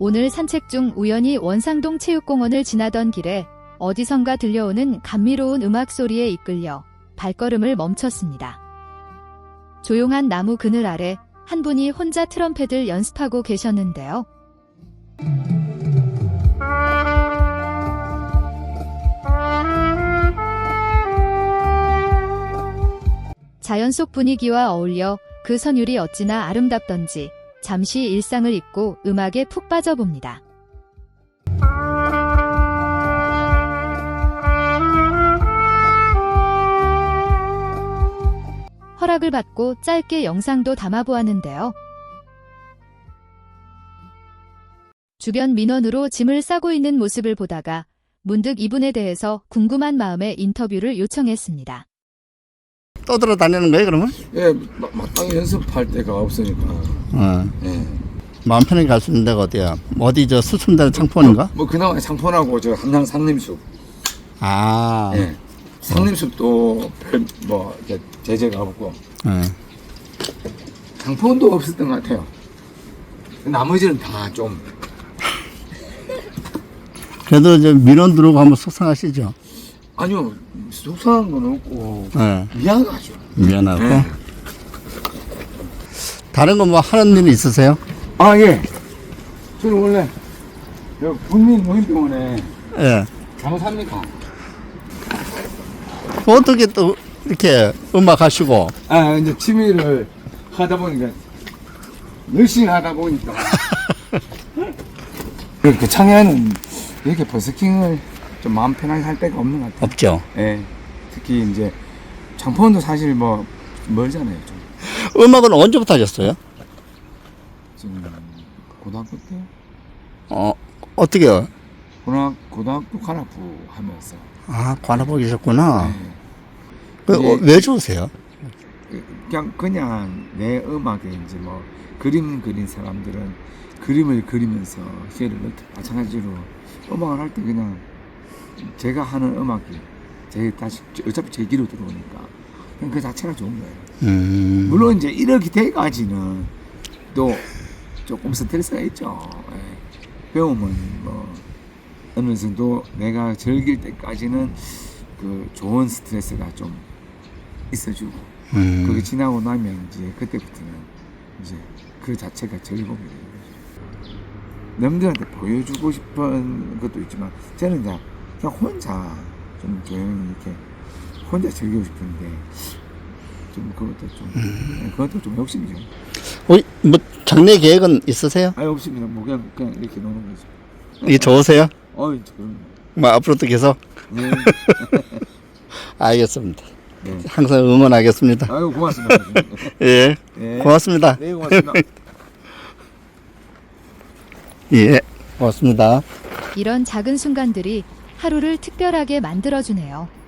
오늘 산책 중 우연히 원상동 체육공원을 지나던 길에 어디선가 들려오는 감미로운 음악 소리에 이끌려 발걸음을 멈췄습니다. 조용한 나무 그늘 아래 한 분이 혼자 트럼펫을 연습하고 계셨는데요. 자연 속 분위기와 어울려 그 선율이 어찌나 아름답던지 잠시 일상을 잊고 음악에 푹 빠져봅니다. 허락을 받고 짧게 영상도 담아보았는데요. 주변 민원으로 짐을 싸고 있는 모습을 보다가 문득 이분에 대해서 궁금한 마음에 인터뷰를 요청했습니다. 떠돌아다니는 거예요, 그러면? 예, 마땅히 연습할 데가 없으니까. 예. 마음 편하게 갈 수 있는 데가 어디야? 어디 저 수천단 창포인가? 뭐 그나마 창포하고 저 함양 상림숲. 아, 예. 상림숲도 뭐 이렇게 제재가 없고 예. 창포도 없었던 것 같아요. 나머지는 다 좀. 그래도 이제 민원 들어오고 하면 속상하시죠? 아니요, 속상한 건 없고 예. 미안하죠. 미안하고. 예. 다른 거 뭐 하는 일 있으세요? 아 예. 저는 원래 국민노인병원에 예. 간호사입니다. 어떻게 또 이렇게 음악 하시고? 아 이제 취미를 하다 보니까 열심히 하다 보니까 그 창에는 이렇게 버스킹을 좀 마음 편하게 할 데가 없는 것 같아요. 없죠. 예. 특히 이제 장포원도 사실 뭐 멀잖아요. 좀. 음악은 언제부터 하셨어요? 지금 고등학교 때 어떻게요? 고등학교 관악부 하면서. 아, 관아보 계셨구나. 예. 그, 예. 왜 좋으세요? 그냥 내 음악에 이제 뭐 그림 그린 사람들은 그림을 그리면서 시를 넣듯 마찬가지로 음악을 할 때 그냥 제가 하는 음악이 어차피 제 귀로 들어오니까 그냥 그 자체가 좋은 거예요. 물론 이제 이렇게 돼가지는 또 조금 스트레스가 있죠. 예. 배우면 뭐 어느 정도 내가 즐길 때까지는 그 좋은 스트레스가 좀 있어주고 그게 지나고 나면 이제 그때부터는 이제 그 자체가 즐거움이 되는 거죠. 남들한테 보여주고 싶은 것도 있지만 저는 이제 그냥 혼자 좀 조용히 이렇게 혼자 즐기고 싶은데 좀 그것도 좀 욕심이죠. 뭐 장래 계획은 있으세요? 아 욕심이나 뭐 그냥 이렇게 노는 거죠. 이게 좋으세요? 어이 그럼. 뭐 앞으로도 계속? 네. 알겠습니다. 네. 항상 응원하겠습니다. 아유 고맙습니다. 예, 네. 고맙습니다. 네 고맙습니다. 예, 고맙습니다. 이런 작은 순간들이 하루를 특별하게 만들어주네요.